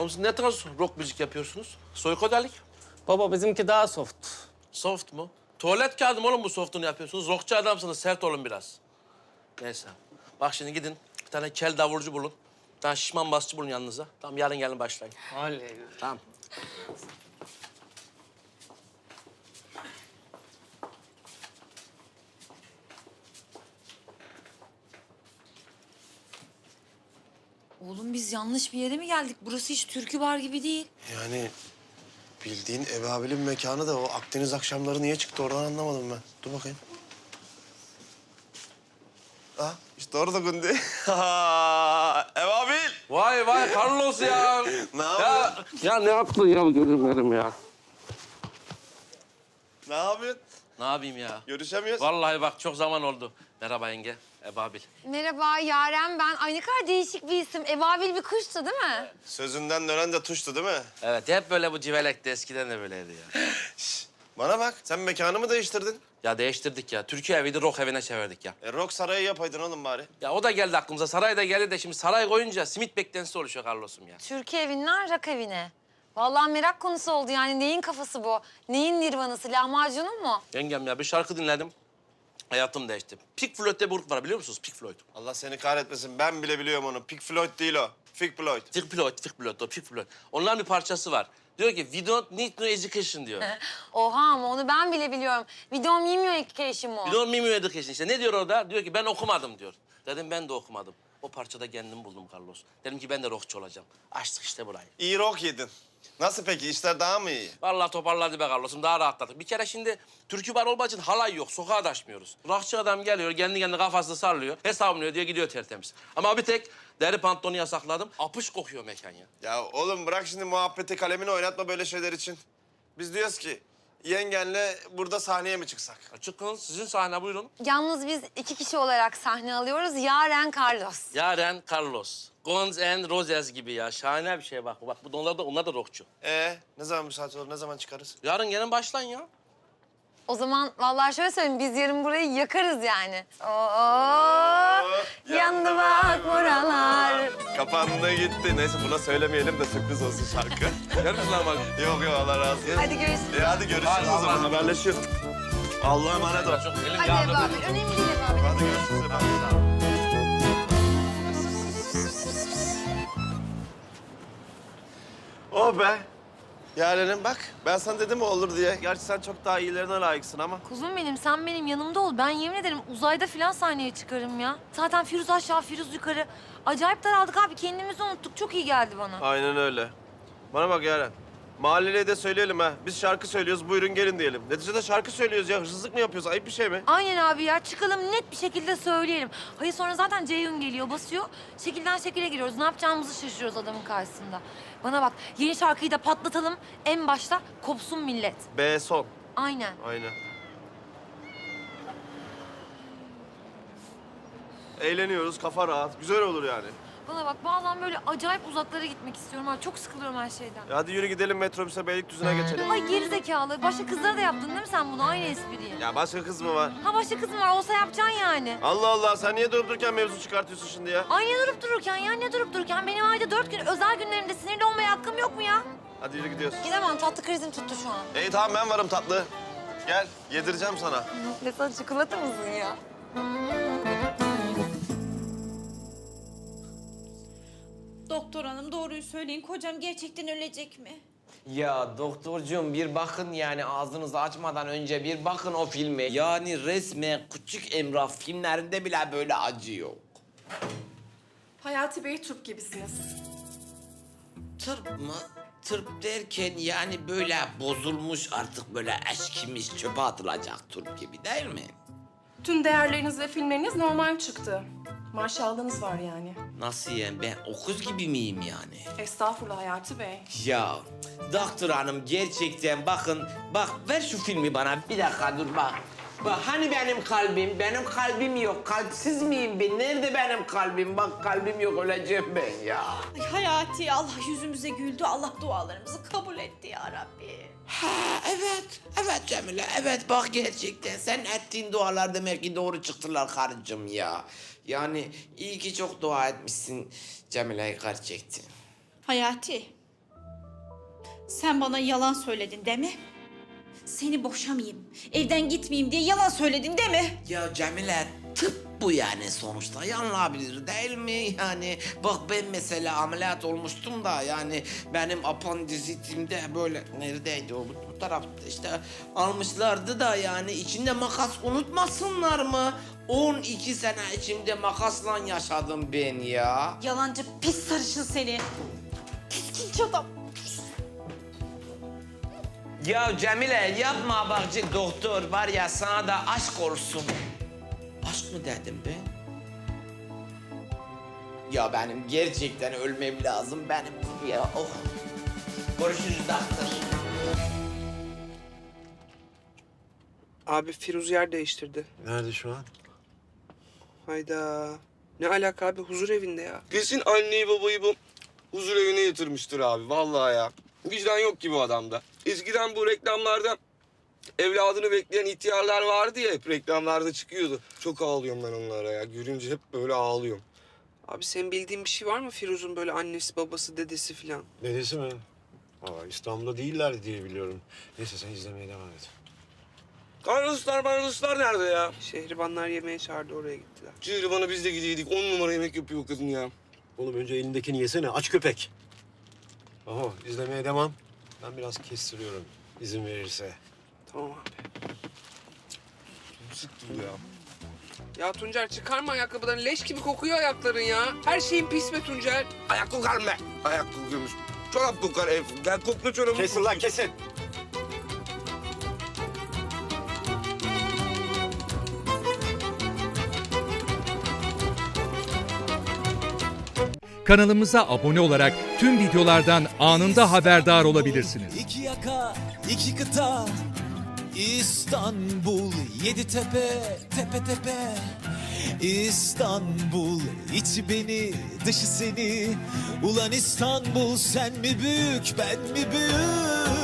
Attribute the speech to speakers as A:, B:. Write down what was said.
A: Oğlum siz ne tarz rock müzik yapıyorsunuz? Soykodelik.
B: Baba bizimki daha soft.
A: Soft mu? Tuvalet kağıdı mı oğlum bu soft'unu yapıyorsunuz? Rockçu adamsınız, sert olun biraz. Neyse. Bak şimdi gidin, bir tane kel davulcu bulun. Bir tane şişman basçı bulun yanınıza. Tamam, yarın gelin başlayın.
B: Oley.
A: Tamam.
C: Oğlum biz yanlış bir yere mi geldik? Burası hiç türkü bar gibi değil.
D: Yani bildiğin Ebabil'in mekanı da o Akdeniz akşamları niye çıktı oradan anlamadım ben. Dur bakayım. Ah işte orada Gundi. Ebabil!
A: Vay vay Carlos ya.
D: Ne
A: ya,
D: yapıyorsun?
A: ya ne yaptın ya gözümlerim ya.
D: Ne yapıyorsun?
A: Ne yapayım ya?
D: Görüşemiyoruz.
A: Vallahi bak çok zaman oldu. Merhaba yenge, Ebabil.
C: Merhaba Yaren ben. Ay ne kadar değişik bir isim. Ebabil bir kuştu değil mi?
D: Sözünden dönen de tuştu değil mi?
A: Evet, hep böyle bu civelekti. Eskiden de böyleydi ya.
D: Bana bak sen mekanı mı değiştirdin?
A: Ya değiştirdik ya. Türkiye eviydi, rock evine çevirdik ya.
D: Rock sarayı yapaydın oğlum bari.
A: Ya o da geldi aklımıza. Saray da geldi de şimdi saray koyunca simit beklentisi oluşuyor Carlos'um ya.
C: Türkiye evinden rak evine. Vallahi merak konusu oldu yani. Neyin kafası bu? Neyin nirvanası? Lahmacunun mu?
A: Yengem ya bir şarkı dinledim. Hayatım değişti. Pink Floyd'de bir grup var biliyor musunuz? Pink Floyd.
D: Allah seni kahretmesin ben bile biliyorum onu. Pink Floyd değil o. Pink Floyd.
A: Pink Floyd, o Pink Floyd. Onların bir parçası var. Diyor ki, we don't need no education diyor.
C: Oha ama onu ben bile biliyorum. Video mimio education mu?
A: We don't need no education işte. Ne diyor orada? Diyor ki ben okumadım diyor. Dedim ben de okumadım. O parçada kendimi buldum Carlos. Dedim ki ben de rockçu olacağım. Açtık işte burayı.
D: İyi rock yedin. Nasıl peki işler daha mı iyi?
A: Vallahi toparladı be Carlos'um. Daha rahatladık. Bir kere şimdi türkü bar olmak için halay yok. Sokağa taşmıyoruz. Rockçı adam geliyor, kendi kendine kafasını sallıyor. Hesabını ödüyor, gidiyor tertemiz. Ama bir tek deri pantolonu yasakladım. Apış kokuyor mekan ya.
D: Ya oğlum bırak şimdi muhabbeti kalemini oynatma böyle şeyler için. Biz diyoruz ki yengenle burada sahneye mi çıksak?
A: Çıkın, sizin sahne buyurun.
C: Yalnız biz 2 kişi olarak sahne alıyoruz. Yaren Carlos.
A: Yaren Carlos. Guns and Roses gibi ya. Şahane bir şey bak. Bak onlar da rockçu.
D: Ne zaman müsait olur, ne zaman çıkarız?
A: Yarın gelin başlayın ya.
C: O zaman vallahi şöyle söyleyeyim. Biz yarın burayı yakarız yani. Oo, yandı bak buralar.
D: Kapandı gitti. Neyse buna söylemeyelim de sürpriz olsun şarkı.
A: Görürsün lan bak.
D: Yok Allah razı olsun.
C: Hadi görüşürüz.
D: Hadi görüşürüz
A: Hadi,
D: o zaman
A: Allah'a
D: haberleşiyoruz. Allah'a emanet ol.
A: Çok elim
C: Hadi
A: yağlı.
C: Ebabil. Önemli değil Ebabil.
D: Hadi görüşürüz efendim. Oh be. Yarenim bak ben sana dedim mi olur diye. Gerçi sen çok daha iyilerine layıksın ama.
C: Kuzum benim, sen benim yanımda ol. Ben yemin ederim uzayda falan sahneye çıkarım ya. Zaten Firuz aşağı, Firuz yukarı. Acayip daraldık abi. Kendimizi unuttuk. Çok iyi geldi bana.
D: Aynen öyle. Bana bak Yaren. Mahalleliye de söyleyelim ha. Biz şarkı söylüyoruz, buyurun gelin diyelim. Neticede şarkı söylüyoruz ya. Hırsızlık mı yapıyoruz? Ayıp bir şey mi?
C: Aynen abi ya. Çıkalım net bir şekilde söyleyelim. Hayır sonra zaten Ceyhun geliyor, basıyor. Şekilden şekile giriyoruz. Ne yapacağımızı şaşırıyoruz adamın karşısında. Bana bak, yeni şarkıyı da patlatalım. En başta kopsun millet.
D: B son.
C: Aynen.
D: Aynen. Eğleniyoruz, kafa rahat. Güzel olur yani.
C: Bana bak, bazen böyle acayip uzaklara gitmek istiyorum abi. Çok sıkılıyorum her şeyden.
D: Hadi yürü gidelim metrobüse Beylikdüzü'ne geçelim.
C: Ay geri zekalı. Başka kızlara da yaptın değil mi sen bunu? Aynı espriyi.
D: Ya başka kız mı var?
C: Ha başka kız mı var? Olsa yapacaksın yani.
D: Allah Allah sen niye durup dururken mevzu çıkartıyorsun şimdi ya?
C: Ay ne durup dururken ya? Ne durup dururken? Benim ayda 4 gün özel günlerimde sinirli olmaya hakkım yok mu ya?
D: Hadi yürü gidiyoruz.
C: Gidemem. Tatlı krizim tuttu şu an.
D: İyi tamam ben varım tatlı. Gel yedireceğim sana.
C: Ne sen çikolata mısın ya?
E: Doktor hanım doğruyu söyleyin. Kocam gerçekten ölecek mi?
B: Ya doktorcuğum bir bakın yani ağzınızı açmadan önce bir bakın o filme. Yani resmen Küçük Emrah filmlerinde bile böyle acı yok.
F: Hayati Bey turp gibisiniz.
B: Tırp mı? Tırp derken yani böyle bozulmuş artık böyle eskimiş çöpe atılacak turp gibi değil mi?
F: Tüm değerleriniz ve filmleriniz normal çıktı. Maşallahınız var yani.
B: Nasıl yani ben okuz gibi miyim yani?
F: Estağfurullah Hayati Bey.
B: Ya doktor hanım gerçekten bakın bak ver şu filmi bana bir dakika dur bak. Bak hani benim kalbim yok. Kalpsiz miyim ben? Nerede benim kalbim? Bak kalbim yok öleceğim ben ya.
E: Ay Hayati Allah yüzümüze güldü. Allah dualarımızı kabul etti ya Rabbi.
B: Ha evet Cemile evet bak gerçekten sen ettiğin dualar demek ki doğru çıktılar karıcığım ya. Yani iyi ki çok dua etmişsin Cemile'yi gerçekten.
E: Hayati Sen bana yalan söyledin değil mi? Seni boşamayayım, evden gitmeyeyim diye yalan söyledin değil mi?
B: Ya Cemile, tıp bu yani sonuçta yanılabilir değil mi? Yani bak ben mesela ameliyat olmuştum da yani benim apandizitimde böyle neredeydi o bu tarafta işte almışlardı da yani içinde makas unutmasınlar mı? 12 sene içimde makasla yaşadım ben ya.
E: Yalancı pis sarışın seni. Piskinç adam.
B: Ya Cemile yapma bak doktor var ya sana da aşk olsun. Aşk mı dedim ben? Ya benim gerçekten ölmem lazım benim ya. Oh. Görüşürüz doktor.
G: Abi Firuz yer değiştirdi.
H: Nerede şu an?
G: Hayda. Ne alaka abi? Huzur evinde ya.
I: Kesin anneyi babayı bu huzur evine yatırmıştır abi. Vallahi ya. Vicdan yok ki bu adamda. Eskiden bu reklamlarda evladını bekleyen ihtiyarlar vardı ya, hep reklamlarda çıkıyordu. Çok ağlıyorum ben onlara ya. Görünce hep böyle ağlıyorum.
G: Abi senin bildiğin bir şey var mı Firuz'un böyle annesi, babası, dedesi falan?
H: Dedesi mi? Aa, İstanbul'da değiller diye biliyorum. Neyse sen izlemeye devam et.
I: Karnalıslar nerede ya?
G: Şehribanlar yemeğe çağırdı, oraya gittiler.
I: Cihriban'a biz de gidiyorduk. 10 numara yemek yapıyor kadın ya.
H: Oğlum önce elindekini yesene, aç köpek. Oho, izlemeye devam. Ben biraz kestiriyorum, izin verirse.
G: Tamam abi.
I: Sıktı bu ya.
G: Ya Tuncer çıkarma ayakkabılarını. Leş gibi kokuyor ayakların ya. Her şeyin pis be Tuncer.
I: Ayak kokar mı? Ayak kokuyormuş. Çorap kokar ev. Gel kokla çorabı.
H: Kesin lan, kesin.
J: Kanalımıza abone olarak tüm videolardan anında haberdar olabilirsiniz.
K: İki yaka, iki kıta, İstanbul, yedi tepe, tepe tepe. İstanbul, içi beni, dışı seni. Ulan İstanbul, sen mi büyük, ben mi büyük?